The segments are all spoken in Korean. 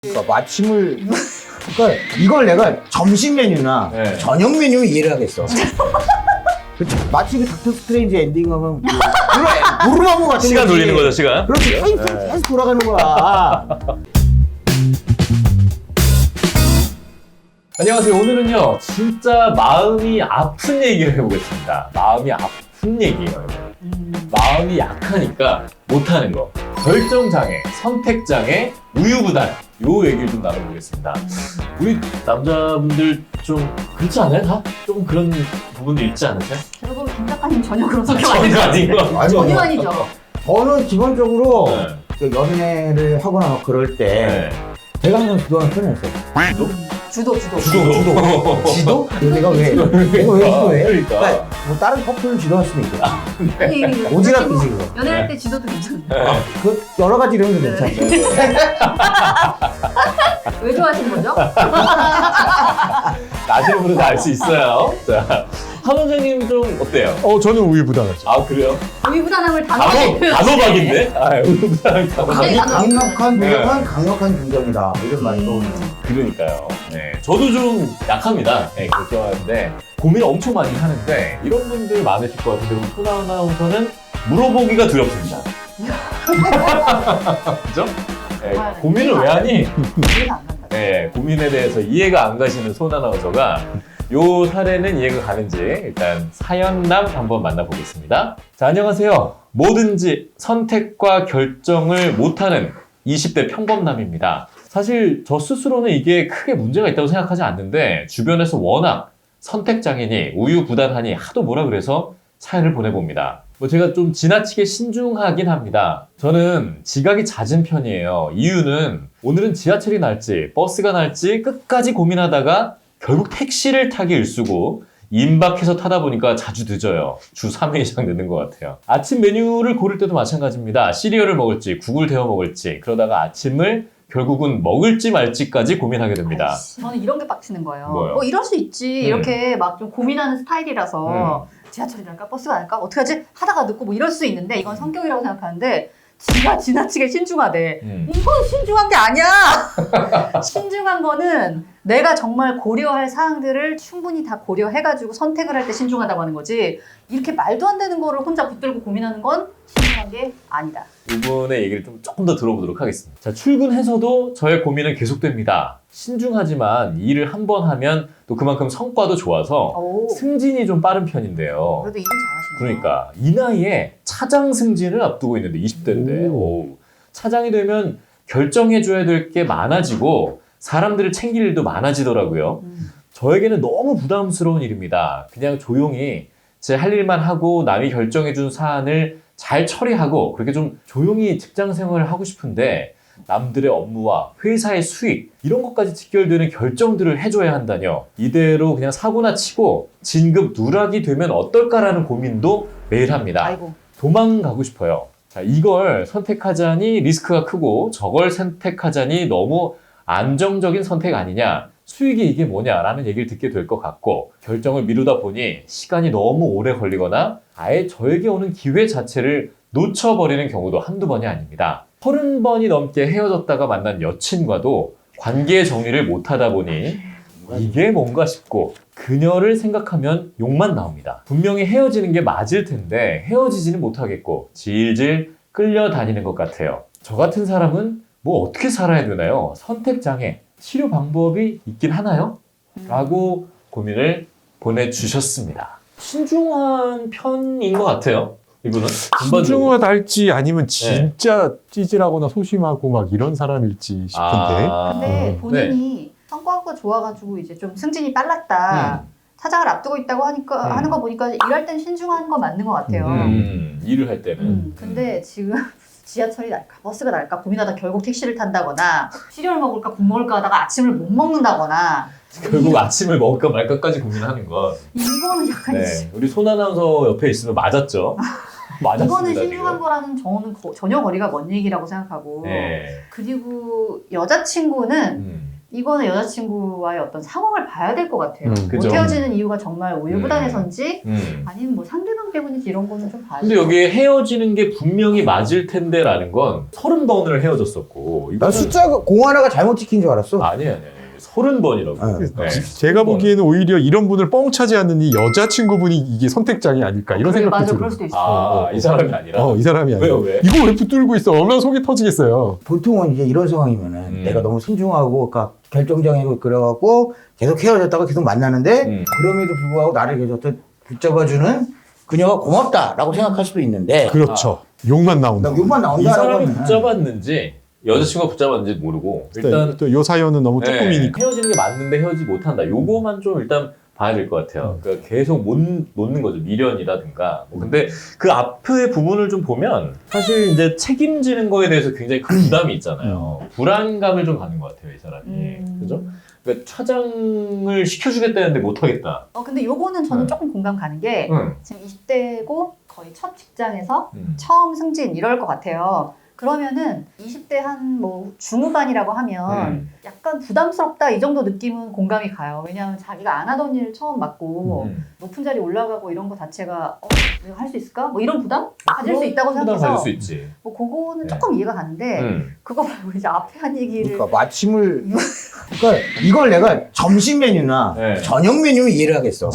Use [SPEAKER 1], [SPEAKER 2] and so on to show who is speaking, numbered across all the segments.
[SPEAKER 1] 그러니까 마침을 그러니까 이걸 내가 점심 메뉴나
[SPEAKER 2] 네.
[SPEAKER 1] 저녁 메뉴 이해를 하겠어. 마치 그 닥터 스트레인지 엔딩 하면 무르마무 같은
[SPEAKER 2] 시간
[SPEAKER 1] 거지.
[SPEAKER 2] 돌리는 거죠, 시간?
[SPEAKER 1] 그렇지. 계속 돌아가는 거야.
[SPEAKER 2] 안녕하세요. 오늘은요, 진짜 마음이 아픈 얘기를 해보겠습니다. 마음이 아픈 얘기예요. 마음이 약하니까 못하는 거. 결정장애, 선택장애, 우유부단. 요 얘기를 좀 나눠보겠습니다. 우리 남자분들 좀 그렇지 않아요? 다? 좀 그런 부분도 있지 않으세요?
[SPEAKER 3] 여러분 김 작가님 전혀 그런 성격
[SPEAKER 2] 전혀 아닌 거.
[SPEAKER 3] 전혀 아니죠.
[SPEAKER 1] 저는 기본적으로
[SPEAKER 2] 네.
[SPEAKER 1] 그 연애를 하거나 막 그럴 때 제가 항상 주도하는 편이었어요.
[SPEAKER 3] 주도.
[SPEAKER 1] 지도? 내가 왜 지도해?
[SPEAKER 2] 그러니까.
[SPEAKER 1] 뭐 다른 커플을 지도할 수도 있겠다.
[SPEAKER 3] 아니,
[SPEAKER 1] 오지랖이지 그거.
[SPEAKER 3] 연애할 때 지도도 괜찮아요.
[SPEAKER 1] 그 여러 가지 이런 게 괜찮죠.
[SPEAKER 3] 왜 좋아하시는 거죠?
[SPEAKER 2] 나시는 분은 다 알 수 있어요. 자, 한 원장님 좀 어때요?
[SPEAKER 4] 저는 우유부단하죠.
[SPEAKER 2] 아, 그래요?
[SPEAKER 3] 우유부단함을 단어로 표현.
[SPEAKER 2] 단호박인데? 아, 우유부단을 단호박.
[SPEAKER 1] 강력한
[SPEAKER 2] 네.
[SPEAKER 1] 부정은 강력한 긍정이다. 이런 말이 떠오르네요.
[SPEAKER 2] 그러니까요. 네, 저도 좀 약합니다. 네, 결정하는데 고민을 엄청 많이 하는데 이런 분들 많으실 것 같은데 우리 소나 아나운서는 물어보기가 두렵습니다. 그죠? 네, 고민을 왜 하니?
[SPEAKER 3] 이해가 안 간다.
[SPEAKER 2] 네, 고민에 대해서 이해가 안 가시는 소나 아나운서가 요 사례는 이해가 가는지 일단 사연남 한번 만나보겠습니다. 자, 안녕하세요. 뭐든지 선택과 결정을 못하는 20대 평범남입니다. 사실 저 스스로는 이게 크게 문제가 있다고 생각하지 않는데 주변에서 워낙 선택장애니 우유부단하니 하도 뭐라 그래서 사연을 보내봅니다. 뭐 제가 좀 지나치게 신중하긴 합니다. 저는 지각이 잦은 편이에요. 이유는 오늘은 지하철이 날지 버스가 날지 끝까지 고민하다가 결국 택시를 타기 일쑤고 임박해서 타다 보니까 자주 늦어요. 주 3회 이상 늦는 것 같아요. 아침 메뉴를 고를 때도 마찬가지입니다. 시리얼을 먹을지 국을 데워 먹을지 그러다가 아침을 결국은 먹을지 말지까지 고민하게 됩니다.
[SPEAKER 3] 아이씨, 저는 이런 게 빡치는 거예요.
[SPEAKER 2] 뭐요?
[SPEAKER 3] 뭐 이럴 수 있지. 이렇게 막 좀 고민하는 스타일이라서 지하철이 날까 버스가 날까 어떻게 하지? 하다가 늦고 뭐 이럴 수 있는데 이건 성격이라고 생각하는데 지가 지나치게 신중하대. 이건 신중한 게 아니야. 신중한 거는 내가 정말 고려할 사항들을 충분히 다 고려해가지고 선택을 할 때 신중하다고 하는 거지. 이렇게 말도 안 되는 거를 혼자 붙들고 고민하는 건 신중한 게 아니다.
[SPEAKER 2] 이분의 얘기를 좀 조금 더 들어보도록 하겠습니다. 자, 출근해서도 저의 고민은 계속됩니다. 신중하지만 일을 한 번 하면 또 그만큼 성과도 좋아서
[SPEAKER 3] 오,
[SPEAKER 2] 승진이 좀 빠른 편인데요.
[SPEAKER 3] 그래도 일은 잘하시네.
[SPEAKER 2] 그러니까 이 나이에 차장 승진을 앞두고 있는데 20대인데 차장이 되면 결정해줘야 될 게 많아지고 사람들을 챙길 일도 많아지더라고요. 저에게는 너무 부담스러운 일입니다. 그냥 조용히 제 할 일만 하고 남이 결정해준 사안을 잘 처리하고 그렇게 좀 조용히 직장 생활을 하고 싶은데 남들의 업무와 회사의 수익 이런 것까지 직결되는 결정들을 해줘야 한다뇨. 이대로 그냥 사고나 치고 진급 누락이 되면 어떨까라는 고민도 매일 합니다.
[SPEAKER 3] 아이고.
[SPEAKER 2] 도망가고 싶어요. 자, 이걸 선택하자니 리스크가 크고 저걸 선택하자니 너무 안정적인 선택 아니냐. 수익이 이게 뭐냐라는 얘기를 듣게 될 것 같고 결정을 미루다 보니 시간이 너무 오래 걸리거나 아예 저에게 오는 기회 자체를 놓쳐버리는 경우도 한두 번이 아닙니다. 30번이 넘게 헤어졌다가 만난 여친과도 관계 정리를 못하다 보니 이게 뭔가 싶고 그녀를 생각하면 욕만 나옵니다. 분명히 헤어지는 게 맞을 텐데 헤어지지는 못하겠고 질질 끌려다니는 것 같아요. 저 같은 사람은 뭐 어떻게 살아야 되나요? 선택장애, 치료 방법이 있긴 하나요? 라고 고민을 보내주셨습니다. 신중한 편인 것 같아요. 이분은 전반적으로.
[SPEAKER 4] 신중하달지 아니면 진짜 찌질하거나 소심하고 막 이런 사람일지 싶은데.
[SPEAKER 3] 근데 본인이 성과가 좋아가지고 이제 좀 승진이 빨랐다. 차장을 앞두고 있다고 하니까 하는 거 보니까 일할 땐 신중한 거 맞는 것 같아요.
[SPEAKER 2] 일을 할 때는.
[SPEAKER 3] 근데 지금 지하철이 날까 버스가 날까 고민하다 결국 택시를 탄다거나 시리얼 먹을까 국 먹을까 하다가 아침을 못 먹는다거나
[SPEAKER 2] 결국 아침을 먹을까 말까까지 고민하는 건.
[SPEAKER 3] 이거는 약간
[SPEAKER 2] 우리 손 아나운서 옆에 있으면 맞았죠. 맞았습니다.
[SPEAKER 3] 이거는 신중한
[SPEAKER 2] 지금.
[SPEAKER 3] 거라는 전혀 거리가 먼 얘기라고 생각하고
[SPEAKER 2] 네.
[SPEAKER 3] 그리고 여자친구는 이거는 여자친구와의 어떤 상황을 봐야 될 것 같아요.
[SPEAKER 2] 그죠.
[SPEAKER 3] 못 헤어지는 이유가 정말 우유부단해서인지
[SPEAKER 2] 음.
[SPEAKER 3] 아니면 뭐 상대방 때문인지 이런 거는 좀 봐야
[SPEAKER 2] 근데
[SPEAKER 3] 돼요.
[SPEAKER 2] 여기 헤어지는 게 분명히 맞을 텐데라는 건 30번을 헤어졌었고.
[SPEAKER 1] 나 숫자가 공 하나가 잘못 찍힌 줄 알았어.
[SPEAKER 2] 아니. 30번이라고.
[SPEAKER 1] 네.
[SPEAKER 4] 제가 보기에는 오히려 이런 분을 뻥차지 않는 이 여자친구분이 이게 선택장이 아닐까 이런 생각도
[SPEAKER 3] 맞아,
[SPEAKER 4] 들어요.
[SPEAKER 3] 그럴 수도 있어.
[SPEAKER 2] 이 사람이 아니라.
[SPEAKER 4] 이 사람이 아니라.
[SPEAKER 2] 왜요, 왜?
[SPEAKER 4] 이거 왜 붙들고 있어? 얼마나 속이 터지겠어요.
[SPEAKER 1] 보통은 이제 이런 상황이면은 내가 너무 순종하고, 그러니까 결정장애고 그래갖고 계속 헤어졌다가 계속 만나는데 그럼에도 불구하고 나를 계속 또 붙잡아주는 그녀가 고맙다라고 생각할 수도 있는데
[SPEAKER 4] 그렇죠. 욕만 나온다.
[SPEAKER 1] 나 욕만
[SPEAKER 2] 이
[SPEAKER 1] 나온다라고
[SPEAKER 2] 사람이
[SPEAKER 1] 하면
[SPEAKER 2] 붙잡았는지 여자친구가 붙잡았는지 모르고 일단
[SPEAKER 4] 또 요 사연은 너무
[SPEAKER 2] 네,
[SPEAKER 4] 조금이니까.
[SPEAKER 2] 헤어지는 게 맞는데 헤어지지 못한다. 요거만 좀 일단 봐야 될 것 같아요. 그러니까 계속 못 놓는 거죠. 미련이라든가. 근데 그 앞의 부분을 좀 보면 사실 이제 책임지는 거에 대해서 굉장히 큰 부담이 있잖아요. 불안감을 좀 가는 것 같아요, 이 사람이. 그죠? 그러니까 차장을 시켜주겠다는데 못하겠다.
[SPEAKER 3] 근데 요거는 저는 조금 공감 가는 게 지금 20대고 거의 첫 직장에서 처음 승진 이럴 것 같아요. 그러면은 20대 한 뭐 중후반이라고 하면 약간 부담스럽다 이 정도 느낌은 공감이 가요. 왜냐하면 자기가 안 하던 일을 처음 맡고 높은 자리 올라가고 이런 거 자체가 내가 할 수 있을까? 뭐 이런 부담 가질 수 있다고
[SPEAKER 2] 부담
[SPEAKER 3] 생각해서
[SPEAKER 2] 가질 수 있지.
[SPEAKER 3] 뭐 그거는
[SPEAKER 2] 네.
[SPEAKER 3] 조금 이해가 가는데 그거 말고 이제 앞에 한 얘기를
[SPEAKER 1] 그러니까 마침을 그러니까 이걸 내가 점심 메뉴나
[SPEAKER 2] 네.
[SPEAKER 1] 저녁 메뉴 이해를 하겠어.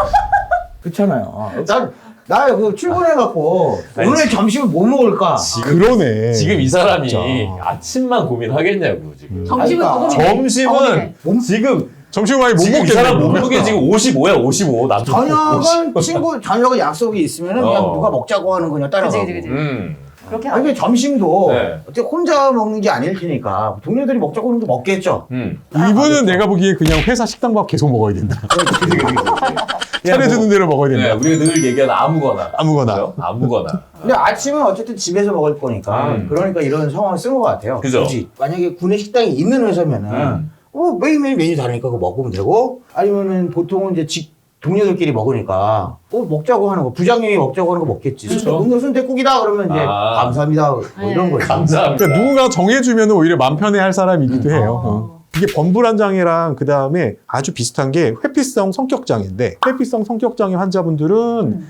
[SPEAKER 1] 그렇잖아요. 나 그 출근해갖고
[SPEAKER 2] 아니,
[SPEAKER 1] 오늘 점심을 뭐 먹을까?
[SPEAKER 4] 그러네.
[SPEAKER 2] 지금 이 사람이
[SPEAKER 4] 진짜.
[SPEAKER 2] 아침만 고민하겠냐고 지금.
[SPEAKER 3] 점심은
[SPEAKER 1] 그러니까
[SPEAKER 3] 더 고민해.
[SPEAKER 2] 점심은
[SPEAKER 1] 몸-
[SPEAKER 2] 지금
[SPEAKER 4] 점심 많이 못
[SPEAKER 2] 지금 이
[SPEAKER 4] 먹겠네.
[SPEAKER 2] 사람 몸무게 지금 55야 55. 남자
[SPEAKER 1] 저녁은 저녁에 약속이 있으면은 그냥 누가 먹자고 하는 거냐 따라가고.
[SPEAKER 3] 그치. 그렇게
[SPEAKER 1] 아니 근데 점심도
[SPEAKER 2] 네.
[SPEAKER 1] 어차피 혼자 먹는 게 아닐 테니까 동료들이 먹자고 하는 거 먹겠죠.
[SPEAKER 4] 이분은 내가 보기에 그냥 회사 식당밥 계속 먹어야 된다. 차려주는 대로 먹어야 된다.
[SPEAKER 2] 네, 우리가 늘 얘기하는 아무거나.
[SPEAKER 4] 아무거나.
[SPEAKER 2] 그죠? 아무거나.
[SPEAKER 1] 근데 아침은 어쨌든 집에서 먹을 거니까 그러니까 이런 상황을 쓴 것 같아요.
[SPEAKER 2] 그죠.
[SPEAKER 1] 굳이 만약에 구내 식당이 있는 회사면은 매일매일 메뉴 다르니까 그거 먹으면 되고 아니면은 보통은 이제 동료들끼리 먹으니까 먹자고 하는 거 부장님이 먹자고 하는 거 먹겠지.
[SPEAKER 2] 그렇죠.
[SPEAKER 1] 오늘 순댓국이다 그러면 이제 감사합니다 뭐 이런 거죠.
[SPEAKER 2] 감사합니다.
[SPEAKER 4] 그러니까 누군가 정해주면 오히려 맘 편해할 사람이기도 해요. 이게 범불안장애랑 그 다음에 아주 비슷한 게 회피성 성격장애인데 회피성 성격장애 환자분들은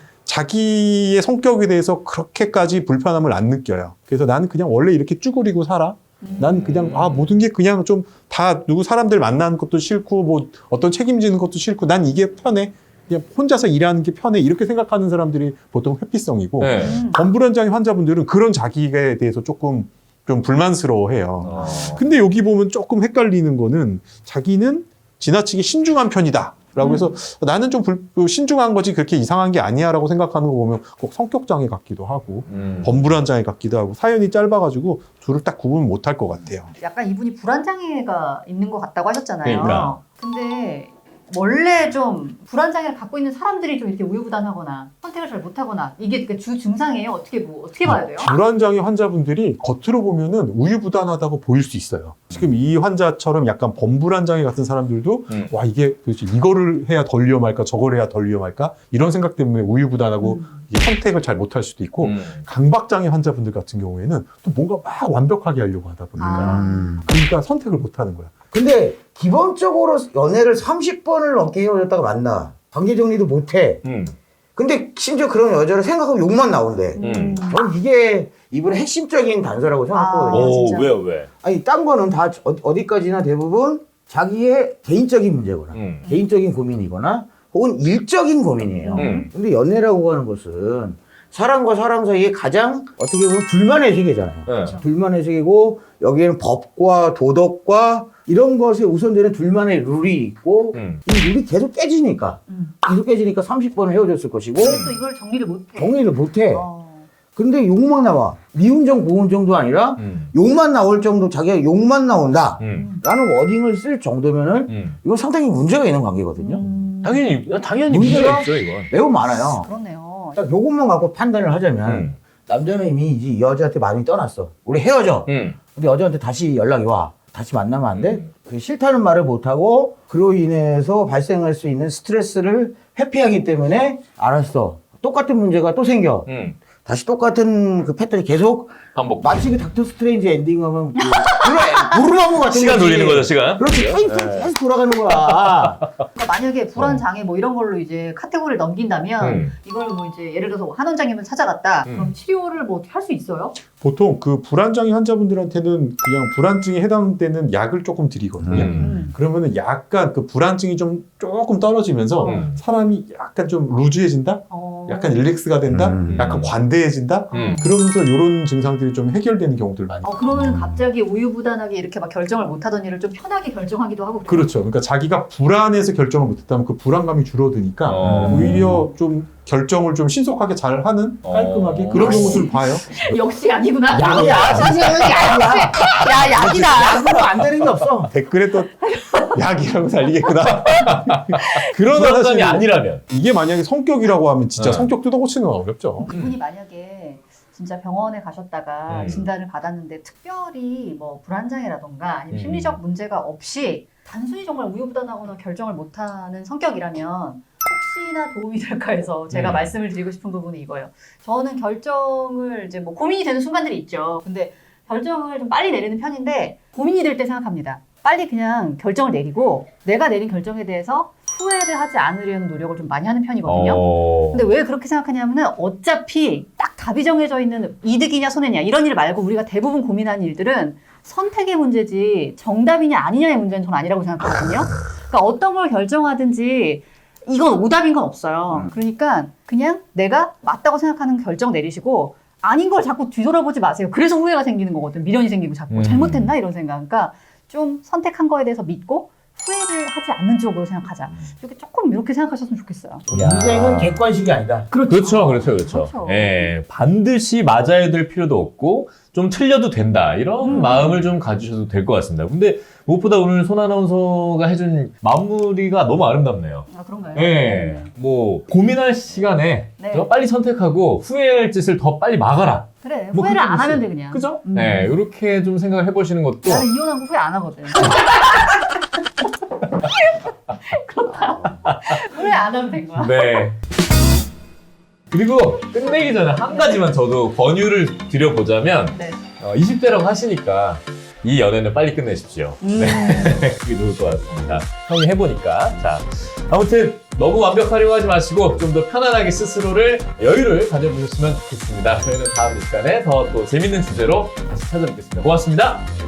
[SPEAKER 4] 자기의 성격에 대해서 그렇게까지 불편함을 안 느껴요. 그래서 나는 그냥 원래 이렇게 쭈그리고 살아. 난 그냥 모든 게 그냥 좀 다 누구 사람들 만나는 것도 싫고 뭐 어떤 책임지는 것도 싫고 난 이게 편해. 그냥 혼자서 일하는 게 편해. 이렇게 생각하는 사람들이 보통 회피성이고
[SPEAKER 2] 네.
[SPEAKER 4] 범불안장애 환자분들은 그런 자기에 대해서 조금 좀 불만스러워해요. 근데 여기 보면 조금 헷갈리는 거는 자기는 지나치게 신중한 편이다. 라고 해서 나는 좀 신중한 거지 그렇게 이상한 게 아니야 라고 생각하는 거 보면 꼭 성격장애 같기도 하고 범불안장애 같기도 하고 사연이 짧아가지고 둘을 딱 구분 못할 것 같아요.
[SPEAKER 3] 약간 이분이 불안장애가 있는 것 같다고 하셨잖아요.
[SPEAKER 2] 그러니까.
[SPEAKER 3] 근데 원래 좀 불안장애를 갖고 있는 사람들이 좀 이렇게 우유부단하거나 선택을 잘 못하거나 이게 그 주 증상이에요? 어떻게 봐야 돼요?
[SPEAKER 4] 불안장애 환자분들이 겉으로 보면은 우유부단하다고 보일 수 있어요. 지금 이 환자처럼 약간 범불안장애 같은 사람들도 와 이게 도대체 이거를 해야 덜 위험할까 저걸 해야 덜 위험할까 이런 생각 때문에 우유부단하고 이게 선택을 잘 못할 수도 있고 강박장애 환자분들 같은 경우에는 또 뭔가 막 완벽하게 하려고 하다 보니까 그러니까 선택을 못하는 거야.
[SPEAKER 1] 근데 기본적으로 연애를 30번을 넘게 헤어졌다가 만나. 관계 정리도 못해. 근데 심지어 그런 여자를 생각하고 욕만 나온대. 저는 이게 이분의 핵심적인 단서라고 생각하거든요.
[SPEAKER 3] 진짜.
[SPEAKER 2] 왜요, 왜?
[SPEAKER 1] 아니 딴 거는 다 어디까지나 대부분 자기의 개인적인 문제거나 개인적인 고민이거나 혹은 일적인 고민이에요. 근데 연애라고 하는 것은 사람과 사람 사이에 가장 어떻게 보면 불만의 세계잖아요.
[SPEAKER 2] 네.
[SPEAKER 1] 불만의 세계고 여기에는 법과 도덕과 이런 것에 우선되는 둘만의 룰이 있고 이 룰이 계속 깨지니까 30번을 헤어졌을 것이고
[SPEAKER 3] 또 이걸 정리를 못해.
[SPEAKER 1] 정리를 못해. 근데 욕만 나와. 미운정 고운정도 아니라 욕만 나올 정도 자기가 욕만 나온다 라는 워딩을 쓸 정도면은 이건 상당히 문제가 있는 관계거든요.
[SPEAKER 2] 당연히
[SPEAKER 1] 문제가
[SPEAKER 2] 문제가 있죠, 이건.
[SPEAKER 1] 매우 많아요.
[SPEAKER 3] 그렇네요.
[SPEAKER 1] 딱 요것만 갖고 판단을 하자면 남자는 이미 이제 이 여자한테 마음이 떠났어. 우리 헤어져. 근데 여자한테 다시 연락이 와. 다시 만나면 안 돼? 그 싫다는 말을 못하고 그로 인해서 발생할 수 있는 스트레스를 회피하기 때문에 알았어. 똑같은 문제가 또 생겨. 다시 똑같은 그 패턴이 계속
[SPEAKER 2] 반복.
[SPEAKER 1] 마치 그 닥터 스트레인지 엔딩 하면 부르마무 같은
[SPEAKER 2] 시간
[SPEAKER 1] 거지.
[SPEAKER 2] 돌리는 거죠, 시간.
[SPEAKER 1] 그렇지. 계속 돌아가는 거야.
[SPEAKER 3] 그러니까 만약에 불안 장애 뭐 이런 걸로 이제 카테고리를 넘긴다면 이걸 뭐 이제 예를 들어서 한 원장님을 찾아갔다. 그럼 치료를 뭐 할 수 있어요?
[SPEAKER 4] 보통 그 불안장애 환자분들한테는 그냥 불안증에 해당되는 약을 조금 드리거든요. 그러면은 약간 그 불안증이 좀 조금 떨어지면서 사람이 약간 좀 루즈해진다? 약간 릴렉스가 된다? 약간 관대해진다? 그러면서 이런 증상들이 좀 해결되는 경우들 많이 있어요.
[SPEAKER 3] 그러면 갑자기 우유부단하게 이렇게 막 결정을 못하던 일을 좀 편하게 결정하기도 하고.
[SPEAKER 4] 그렇죠. 그러니까 자기가 불안해서 결정을 못했다면 그 불안감이 줄어드니까 오히려 좀 결정을 좀 신속하게 잘 하는 깔끔하게 그런 경우들 봐요.
[SPEAKER 3] 역시 약이구나.
[SPEAKER 1] 약이야. 선생님은 약이야.
[SPEAKER 3] 야, 약이다.
[SPEAKER 1] 약으로 안 되는 게 없어.
[SPEAKER 4] 댓글에 또 약이라고 달리겠구나. 그러나
[SPEAKER 2] 불안감이
[SPEAKER 4] 사실
[SPEAKER 2] 아니라면.
[SPEAKER 4] 이게 만약에 성격이라고 하면 진짜
[SPEAKER 2] 네.
[SPEAKER 4] 성격 뜯어고치는 건 어렵죠.
[SPEAKER 3] 그분이 만약에 진짜 병원에 가셨다가 진단을 받았는데 특별히 뭐 불안장애라던가 아니면 심리적 문제가 없이 단순히 정말 우유부단하거나 결정을 못하는 성격이라면 혹시나 도움이 될까 해서 제가 말씀을 드리고 싶은 부분이 이거예요. 저는 결정을 이제 뭐 고민이 되는 순간들이 있죠. 근데 결정을 좀 빨리 내리는 편인데 고민이 될 때 생각합니다. 빨리 그냥 결정을 내리고 내가 내린 결정에 대해서 후회를 하지 않으려는 노력을 좀 많이 하는 편이거든요. 근데 왜 그렇게 생각하냐면은 어차피 딱 답이 정해져 있는 이득이냐 손해냐 이런 일 말고 우리가 대부분 고민하는 일들은 선택의 문제지 정답이냐 아니냐의 문제는 전 아니라고 생각하거든요. 그러니까 어떤 걸 결정하든지 이건 오답인 건 없어요. 그러니까 그냥 내가 맞다고 생각하는 결정 내리시고 아닌 걸 자꾸 뒤돌아보지 마세요. 그래서 후회가 생기는 거거든. 미련이 생기고 자꾸 잘못했나 이런 생각. 그러니까 좀 선택한 거에 대해서 믿고 후회를 하지 않는 쪽으로 생각하자. 이렇게 조금 이렇게 생각하셨으면 좋겠어요.
[SPEAKER 1] 인생은 객관식이 아니다.
[SPEAKER 2] 그렇죠. 예, 반드시 맞아야 될 필요도 없고 좀 틀려도 된다 이런 마음을 좀 가지셔도 될 것 같습니다. 근데 무엇보다 오늘 손 아나운서가 해준 마무리가 너무 아름답네요.
[SPEAKER 3] 아 그런가요?
[SPEAKER 2] 예, 뭐 고민할 시간에
[SPEAKER 3] 네.
[SPEAKER 2] 더 빨리 선택하고 후회할 짓을 더 빨리 막아라.
[SPEAKER 3] 그래.
[SPEAKER 2] 뭐
[SPEAKER 3] 후회를
[SPEAKER 2] 그렇게
[SPEAKER 3] 안 하면
[SPEAKER 2] 됐어요.
[SPEAKER 3] 돼 그냥.
[SPEAKER 2] 그죠? 네, 이렇게 좀 생각을 해보시는 것도
[SPEAKER 3] 나는 이혼한 거 후회 안 하거든. 그렇다. 후회 안 하면 된 거야.
[SPEAKER 2] 네. 그리고 끝내기 전에 한 가지만 저도 권유를 드려보자면
[SPEAKER 3] 네.
[SPEAKER 2] 20대라고 하시니까 이 연애는 빨리 끝내십시오. 네. 그게 좋을 것 같습니다. 형이 해보니까. 자, 아무튼 너무 완벽하려고 하지 마시고 좀 더 편안하게 스스로를 여유를 가져보셨으면 좋겠습니다. 저희는 다음 시간에 더 또 재밌는 주제로 다시 찾아뵙겠습니다. 고맙습니다.